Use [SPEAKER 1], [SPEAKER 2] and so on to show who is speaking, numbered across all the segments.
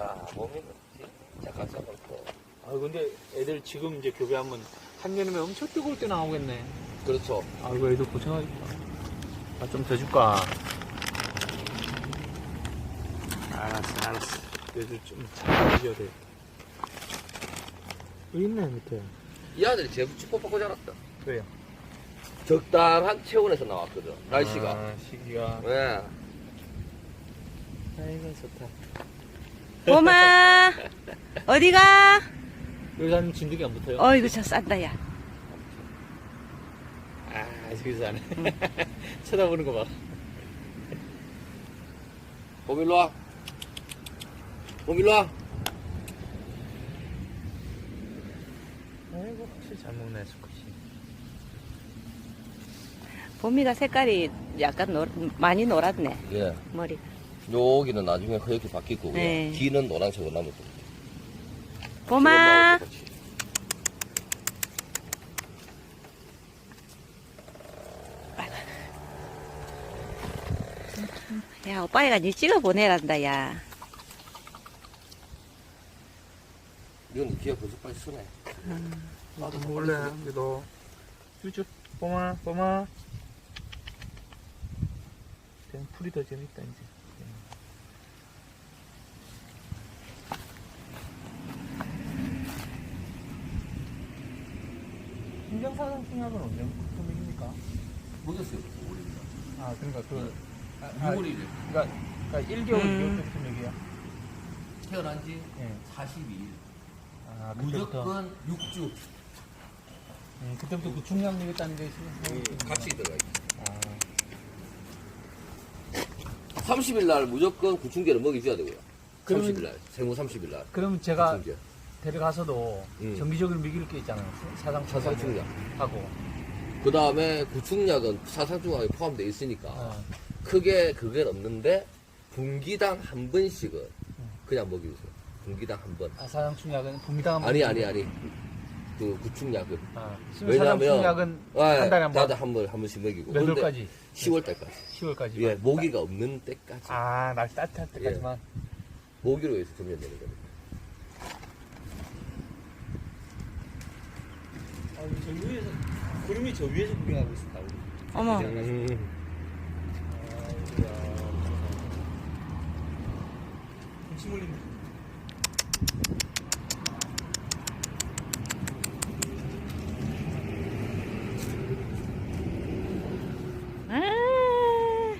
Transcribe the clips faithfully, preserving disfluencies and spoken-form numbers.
[SPEAKER 1] 아, 몸이 진짜 가짜놓고.
[SPEAKER 2] 아 근데 애들 지금 이제 교배하면 한여름에 엄청 뜨거울 때 나오겠네.
[SPEAKER 1] 그렇죠.
[SPEAKER 2] 아이고 애들 고생하겠다. 아 좀 더 줄까? 알았어 알았어. 애들 좀잘 해줘야 돼. 여기 있네 밑에.
[SPEAKER 1] 이 아들이 제부 축복받고 자랐다.
[SPEAKER 2] 왜요?
[SPEAKER 1] 적당한 체온에서 나왔거든, 날씨가.
[SPEAKER 2] 아, 시기가.
[SPEAKER 1] 네.
[SPEAKER 2] 아이고 좋다.
[SPEAKER 3] 봄아 어디가?
[SPEAKER 2] 여기 사는 진드기 안 붙어요?
[SPEAKER 3] 어이구 저 싼다 야.
[SPEAKER 2] 아 저기서 안 해. 쳐다보는 거 봐.
[SPEAKER 1] 봄 일로 와. 봄 일로 와.
[SPEAKER 2] 아이고 확실히 잘 먹네 수컷이.
[SPEAKER 3] 봄이가 색깔이 약간 노, 많이 노랗네
[SPEAKER 1] 예.
[SPEAKER 3] 머리가.
[SPEAKER 1] 여기는 나중에 허옇게 바뀔 거고요.
[SPEAKER 3] 네.
[SPEAKER 1] 뒤는 노란색으로 남을 겁니다.
[SPEAKER 3] 봄아 야 오빠가 니 찍어 보내란다 야.
[SPEAKER 1] 이건 귀가 벌써 빨리 쓰네.
[SPEAKER 2] 나도 먹을래. 너 쭈쭈 뽀마 뽀마. 그냥 풀이 더 재밌다 이제. 신경사상 승합은 언제부터 먹입니까?
[SPEAKER 1] 먹였어요.
[SPEAKER 2] 아 그러니까 그
[SPEAKER 1] 유월이래.
[SPEAKER 2] 그러니까, 그러니까 일 개월
[SPEAKER 3] 음.
[SPEAKER 2] 이 개월 때부터 먹이야.
[SPEAKER 1] 태어난 지
[SPEAKER 2] 예.
[SPEAKER 1] 사십이 일.
[SPEAKER 2] 아 그때부터.
[SPEAKER 1] 무조건 육 주.
[SPEAKER 2] 음, 그때부터 그 중량 먹였다는 게 있어요.
[SPEAKER 1] 같이 들어가 있어.
[SPEAKER 2] 아.
[SPEAKER 1] 삼십 일 날 무조건 구충제를 먹여줘야 되고요.
[SPEAKER 2] 그러면-
[SPEAKER 1] 삼십 일 날. 생후 삼십 일 날.
[SPEAKER 2] 그럼 제가
[SPEAKER 1] 구충제.
[SPEAKER 2] 데려가서도
[SPEAKER 1] 음.
[SPEAKER 2] 정기적으로 먹일 게 있잖아요. 사상
[SPEAKER 1] 사상충약.
[SPEAKER 2] 하고.
[SPEAKER 1] 그 다음에 구충약은 사상충약에 포함되어 있으니까
[SPEAKER 2] 어.
[SPEAKER 1] 크게 그건 없는데 분기당 한 번씩은 그냥 먹여주세요. 분기당 한 번.
[SPEAKER 2] 아, 사상충약은 분기당
[SPEAKER 1] 아니 아니 아니. 그 구충약은.
[SPEAKER 2] 아,
[SPEAKER 1] 왜냐면
[SPEAKER 2] 사상충약은 한 달에 한 번.
[SPEAKER 1] 나도 한 번, 한 번씩 먹이고.
[SPEAKER 2] 몇
[SPEAKER 1] 근데
[SPEAKER 2] 월까지?
[SPEAKER 1] 시월 달까지.
[SPEAKER 2] 시월까지.
[SPEAKER 1] 예, 모기가 없는 때까지.
[SPEAKER 2] 아, 날씨 따뜻할 때까지만.
[SPEAKER 1] 모기로 해서 점령되는 겁니다.
[SPEAKER 2] 아, 저 위에서, 구름이 저 위에서 구경하고 있었다고.
[SPEAKER 3] 어머
[SPEAKER 1] 음.
[SPEAKER 2] 아이고야. 침 흘린다.
[SPEAKER 3] 아,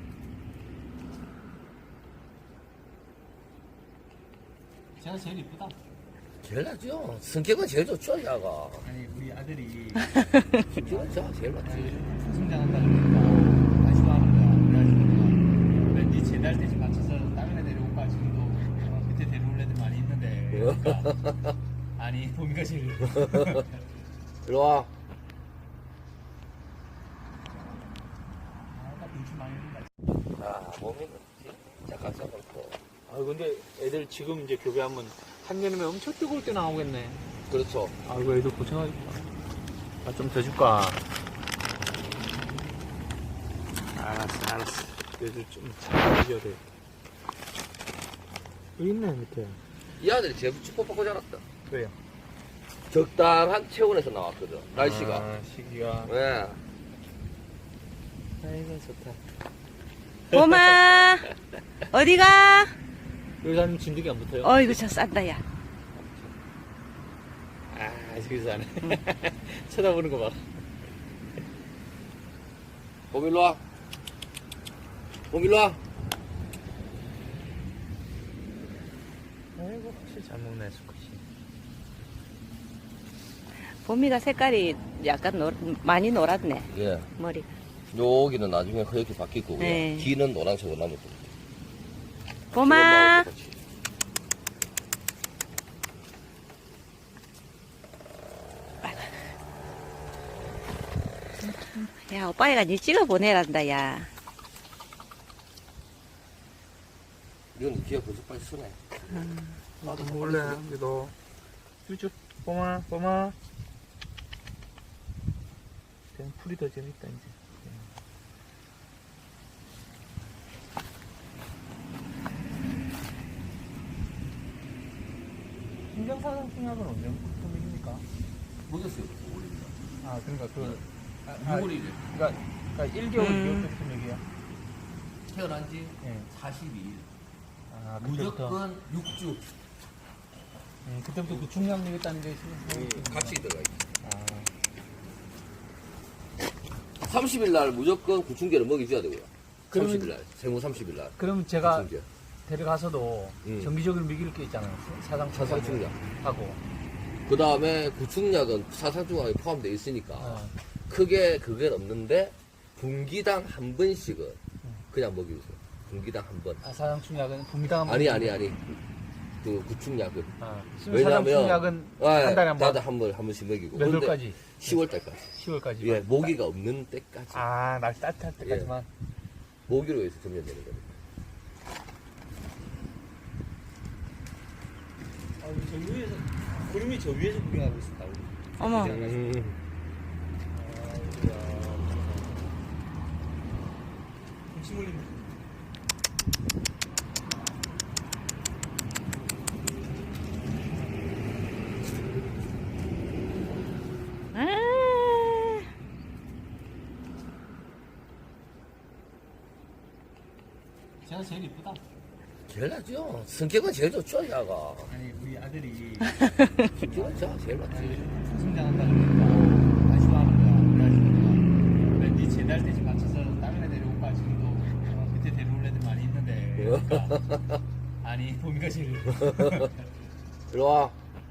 [SPEAKER 2] 제가 제일 이쁘다.
[SPEAKER 1] 제일 낫죠. 성격은 제일 좋죠, 야가.
[SPEAKER 2] 아니, 우리 아들이
[SPEAKER 1] 성격은 제가 제일 낫지.
[SPEAKER 2] 성장한다 그러니까 관심 하는 거야. 그래가지고 내가 왠지 제대할 때좀 맞춰서 다른 애 데려올까 지금도 어, 밑에 데려올 애들 많이 있는데 그러니까 아니 봄이가 제일
[SPEAKER 1] 일로 와.
[SPEAKER 2] 아까 눈치 많이 있는
[SPEAKER 1] 아, 몸이 진짜 가짜놓고.
[SPEAKER 2] 아 근데 애들 지금 이제 교배하면 한여름에 엄청 뜨거울 때 나오겠네.
[SPEAKER 1] 그렇죠.
[SPEAKER 2] 아이고 애들 고생하겠다. 아 좀 더 줄까? 알았어 알았어. 애들 좀잘 해줘야 돼. 여기 있네 밑에.
[SPEAKER 1] 이 아들이 제부 축복받고 자랐다.
[SPEAKER 2] 왜요?
[SPEAKER 1] 적당한 체온에서 나왔거든, 날씨가.
[SPEAKER 2] 아, 시기가.
[SPEAKER 1] 네.
[SPEAKER 2] 아이고 좋다.
[SPEAKER 3] 봄아 어디가?
[SPEAKER 2] 여기 사는 진드기 안 붙어요?
[SPEAKER 3] 어이구 저 싼다 야.
[SPEAKER 2] 아 저기서 안 해. 쳐다보는 거 봐.
[SPEAKER 1] 봄 일로 와. 봄 일로 와.
[SPEAKER 2] 아이고 확실히 잘 먹네 수컷이.
[SPEAKER 3] 봄이가 색깔이 약간 노, 많이 노랗네
[SPEAKER 1] 예.
[SPEAKER 3] 머리가.
[SPEAKER 1] 여기는 나중에 허옇게 바뀔 거고요.
[SPEAKER 3] 네.
[SPEAKER 1] 뒤는 노란색으로 남을 겁니다.
[SPEAKER 3] 봄아
[SPEAKER 1] 똑같이.
[SPEAKER 3] 야 오빠가 니 찍어 보내란다 야.
[SPEAKER 1] 이건 귀가 벌써 빨리 쓰네.
[SPEAKER 2] 나도 먹을래. 너 쭈쭈 뽀마 뽀마. 그냥 풀이 더 재밌다 이제. 신경사상 충약은 언제부터 먹입니까?
[SPEAKER 1] 먹였어요. 올립니다.
[SPEAKER 2] 아, 그러니까 그. 아, 아,
[SPEAKER 1] 유월 일 일.
[SPEAKER 2] 그러니까, 그러니까 일 개월,
[SPEAKER 3] 음.
[SPEAKER 2] 이 개월 때부터 먹이야?
[SPEAKER 1] 태어난 지
[SPEAKER 2] 예.
[SPEAKER 1] 사십이 일.
[SPEAKER 2] 아, 그때부터.
[SPEAKER 1] 무조건 육 주.
[SPEAKER 2] 음, 그때부터 그 충약 먹였다는 게 신경
[SPEAKER 1] 같이 들어가 있어요.
[SPEAKER 2] 아.
[SPEAKER 1] 삼십 일 날 무조건 구충제를 먹여줘야 되고요.
[SPEAKER 2] 그러면-
[SPEAKER 1] 삼십 일 날. 생후 삼십 일 날.
[SPEAKER 2] 그럼 제가
[SPEAKER 1] 구충제.
[SPEAKER 2] 데려가서도
[SPEAKER 1] 음.
[SPEAKER 2] 정기적으로 먹일 게 있잖아요. 사상
[SPEAKER 1] 사상충약.
[SPEAKER 2] 하고.
[SPEAKER 1] 그 다음에 구충약은 사상충약에 포함되어 있으니까
[SPEAKER 2] 어.
[SPEAKER 1] 크게 그건 없는데 분기당 한 번씩은 그냥 먹여주세요. 분기당 한 번.
[SPEAKER 2] 아, 사상 충약은 분당
[SPEAKER 1] 아니 아니 아니. 그 구충약은.
[SPEAKER 2] 아, 사상
[SPEAKER 1] 왜냐면
[SPEAKER 2] 충약은
[SPEAKER 1] 아,
[SPEAKER 2] 한 달에 한 번.
[SPEAKER 1] 한 번, 한 번씩 먹이고.
[SPEAKER 2] 몇
[SPEAKER 1] 근데
[SPEAKER 2] 월까지?
[SPEAKER 1] 시월 달까지.
[SPEAKER 2] 시월까지.
[SPEAKER 1] 예, 모기가 없는 때까지.
[SPEAKER 2] 아, 날씨 따뜻할 때까지만.
[SPEAKER 1] 모기로 해서 점령되는 겁니다.
[SPEAKER 2] 아, 저 위에서, 구름이 저 위에서 구경하고 있었다.
[SPEAKER 3] 어머.
[SPEAKER 1] 음.
[SPEAKER 2] 침 흘린다.
[SPEAKER 3] 아,
[SPEAKER 2] 제가 제일 이쁘다.
[SPEAKER 1] 제일 낫죠. 성격은 제일 좋죠, 야가.
[SPEAKER 2] 아니, 우리 아들이
[SPEAKER 1] 성격은 제가 제일 낫지.
[SPEAKER 2] 성장한다 그러니까 관심 하는 거야. 그래가지고 왠지 제달 때쯤 맞춰서 다른 애 데려올까 지금도 어, 그때 데려올 애들 많이 있는데 그러니까. 아니 보미가 제일
[SPEAKER 1] 이리 와.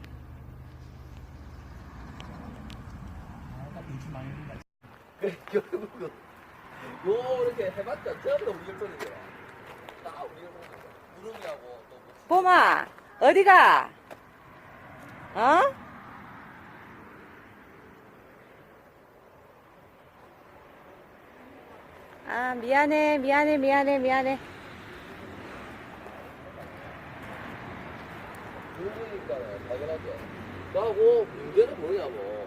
[SPEAKER 2] 아까 눈치 많이 든다.
[SPEAKER 1] 결국은 요렇게 해봤자 전부 다 우리 결손이죠. 다 우리 결손이죠. 구름이하고 또 뭐.
[SPEAKER 3] 봄아, 어디가? 어? 아, 미안해, 미안해, 미안해, 미안해.
[SPEAKER 1] 구름이니까요, 당연하죠. 그하고 문제는 뭐냐고.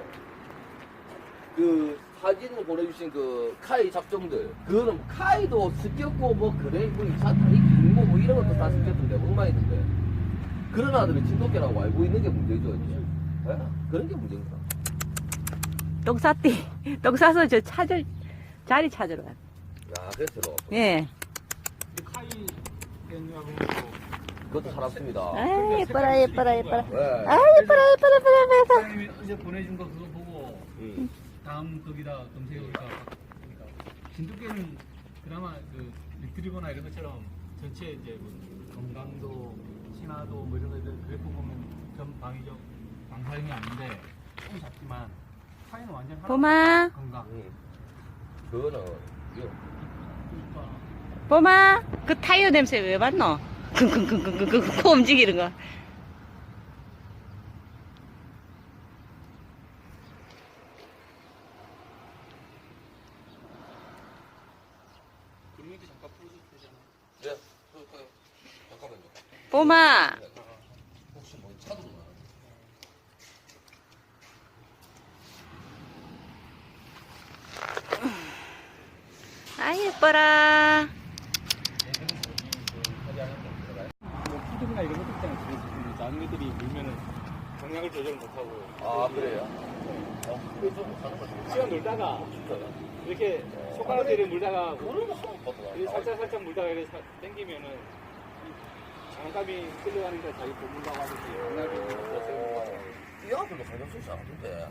[SPEAKER 1] 그 사진을 보내주신 그 카이 잡종들, 그거는 카이도 습겼고 뭐 그래 뭐 이 차 다리 길고 뭐 이런 것도 다 습겼던데 엉망이던데 그런 아들은 진돗개라고 알고 있는 게 문제죠 이제. 예? 그런 게 문제입니다.
[SPEAKER 3] 똥 쌌디. 똥 싸서 저 찾을, 자리 찾으러 가.
[SPEAKER 1] 야 그래서 들어
[SPEAKER 3] 예.
[SPEAKER 2] 카이 땡하고
[SPEAKER 1] 그것도 살았습니다.
[SPEAKER 3] 아, 예뻐라, 예뻐라, 예뻐라.
[SPEAKER 1] 네.
[SPEAKER 3] 아, 예뻐라, 예뻐라, 예뻐라, 예뻐라.
[SPEAKER 2] 사장님이 어제 보내준 거 그거 보고
[SPEAKER 1] 음.
[SPEAKER 2] 다음 거기다 검색해보니까 그러니까 진돗개는 그나마 그 리트리버나 이런 것처럼 전체 이제 뭐 건강도 신화도 뭐 이런 것들 그래프 보면 전 방위적 방사형이 아닌데 조금 작지만 카이는 완전 하나
[SPEAKER 3] 봄아,
[SPEAKER 2] 건강.
[SPEAKER 1] 음. 그거는 이거
[SPEAKER 2] 그러니까
[SPEAKER 3] 봄아, 그 타이어 냄새 왜 맡노? 킁킁킁킁킁 코 움직이는 거.
[SPEAKER 2] 구름이도 잠깐 풀어줘도 되잖아.
[SPEAKER 1] 네. 그럴까요? 잠깐만요.
[SPEAKER 3] 봄아,
[SPEAKER 1] 혹시 뭐 차도 나?
[SPEAKER 3] 아, 예뻐라.
[SPEAKER 2] 뭐 푸드나 이런 것도 있잖아. 그래서 그 작은 애들이 물면은 경량을 조절 못하고.
[SPEAKER 1] 아 그래요? 어, 그게 좀 사는 거죠.
[SPEAKER 2] 시간 놀다가
[SPEAKER 1] 진짜요?
[SPEAKER 2] 이렇게 손가락질을 물다가
[SPEAKER 1] 그런 거 처음 봤어.
[SPEAKER 2] 이렇게 살짝 살짝 물다가 이렇게 사- 당기면은 이 장갑이 끌려가니까 자기 보물라고 하듯이 장갑이 없어서
[SPEAKER 1] 이 아들도 가정 쓰지 않던데.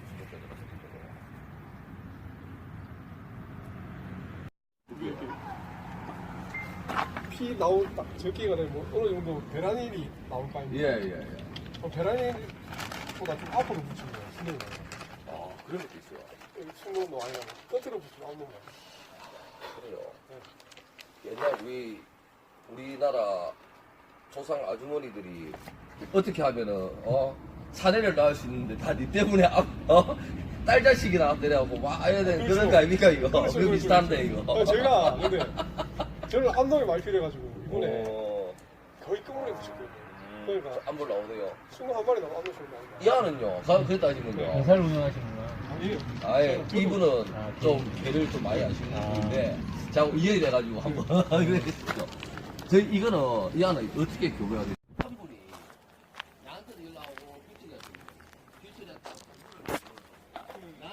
[SPEAKER 4] 피 나온 딱 적기가 되면 어느 정도 베라닐이 나올 거 아닙니까?
[SPEAKER 1] 예예 예.
[SPEAKER 4] 그럼 베라닐보다 좀 앞으로 붙이는 거예요, 신경을.
[SPEAKER 1] 아 그런 것도 있어요.
[SPEAKER 4] 여기 충동도 많이 나고 끝으로 붙이면 안 넘어요.
[SPEAKER 1] 그래요. 옛날 우리 우리나라 조상 아주머니들이 어떻게 하면은 어 사내를 낳을 수 있는데 다 니 때문에 앞, 어? 딸 자식이나 앞대려고 막 해야 되는 그런 거 아닙니까 이거?
[SPEAKER 4] 그렇죠,
[SPEAKER 1] 그
[SPEAKER 4] 그렇죠,
[SPEAKER 1] 비슷한데
[SPEAKER 4] 그렇죠.
[SPEAKER 1] 이거.
[SPEAKER 4] 아, 제가 근데 저는 암동이 많이 필요해가지고 이번에
[SPEAKER 1] 어,
[SPEAKER 4] 거의 끝물에 붙였거든요.
[SPEAKER 1] 음,
[SPEAKER 4] 그러니까
[SPEAKER 1] 안볼 나오네요.
[SPEAKER 4] 순간 한 마리 나면 암동 소리 나는
[SPEAKER 1] 이 안은요. 가- 그래 따지면요.
[SPEAKER 2] 회사를 운영하시는구나.
[SPEAKER 4] 아니에요.
[SPEAKER 1] 아예 이분은
[SPEAKER 2] 아,
[SPEAKER 1] 좀 개를 좀 많이 아시는
[SPEAKER 2] 아.
[SPEAKER 1] 분인데 자꾸 이해가 돼가지고 한번 그랬죠. 저희 이거는 이 안은 어떻게 교배가 돼요? 한 분이 나한테도 연락 오고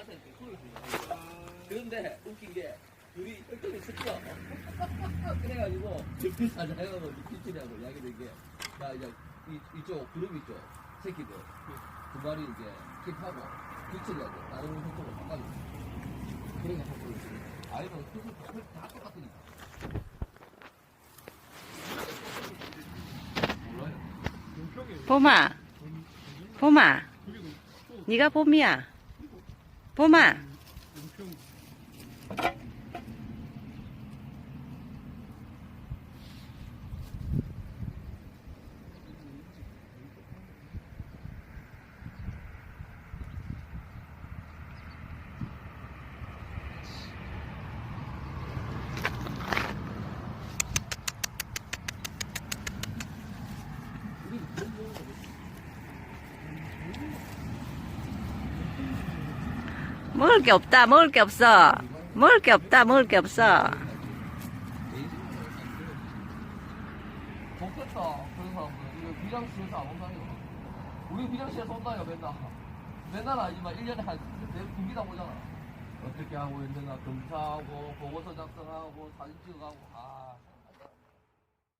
[SPEAKER 1] 이렇게 소리 들려. 그런데 웃긴 게 둘이 똘똘이 섞여. 그래가지고 옆에 사장하고 김치리하고 이야기된 게, 야, 이제 이, 이쪽 그룹 있죠. 새끼들 두 마리 이제 킵하고 김치리하고 다른 형쪽으로 바꿔줘. 그러니까 형쪽으로 아이는 수술 다 똑같으니까. 몰라요.
[SPEAKER 4] 용평에
[SPEAKER 3] 봄아, 봄아,
[SPEAKER 4] 그리고 또
[SPEAKER 3] 네가 봄이야. 봄아.
[SPEAKER 4] 용평
[SPEAKER 3] 먹을 게 없다, 먹을 게 없어. 먹을 게 없다, 먹을 게 없어.
[SPEAKER 1] 좋겠다. 그런 사람들. 이거 비장실에서 안 온다니까. 우리 비장실에서 온다니까, 맨날. 맨날 아니지만 일 년에 한, 내 군기다 오잖아. 어떻게 하고 있는가 검사하고, 보고서 작성하고, 사진 찍어가고, 아.